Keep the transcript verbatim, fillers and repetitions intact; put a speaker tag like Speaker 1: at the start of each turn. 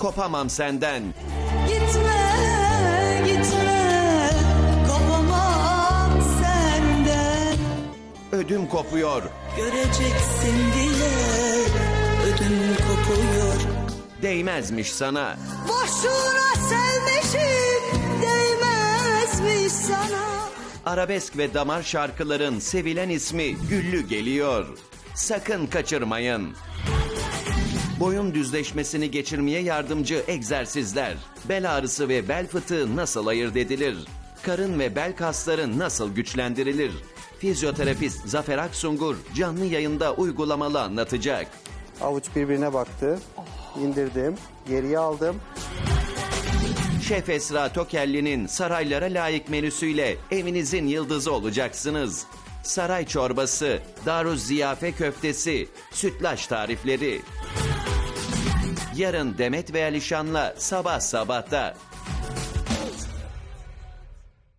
Speaker 1: kopamam senden.
Speaker 2: Gitme, gitme, kopamam senden.
Speaker 1: Ödüm kopuyor.
Speaker 2: Göreceksin diye ödüm kopuyor.
Speaker 1: Değmezmiş sana.
Speaker 2: Boşuna sevmişim, değmezmiş sana.
Speaker 1: Arabesk ve damar şarkıların sevilen ismi Güllü geliyor. Sakın kaçırmayın. Boyun düzleşmesini geçirmeye yardımcı egzersizler. Bel ağrısı ve bel fıtığı nasıl ayırt edilir? Karın ve bel kasları nasıl güçlendirilir? Fizyoterapist Zafer Aksungur canlı yayında uygulamalı anlatacak.
Speaker 3: Avuç birbirine baktı. İndirdim. Geriye aldım.
Speaker 1: Şef Esra Tokelli'nin saraylara layık menüsüyle evinizin yıldızı olacaksınız. Saray çorbası, daruz ziyafe köftesi, sütlaç tarifleri. Yarın Demet ve Alişan'la sabah sabahta.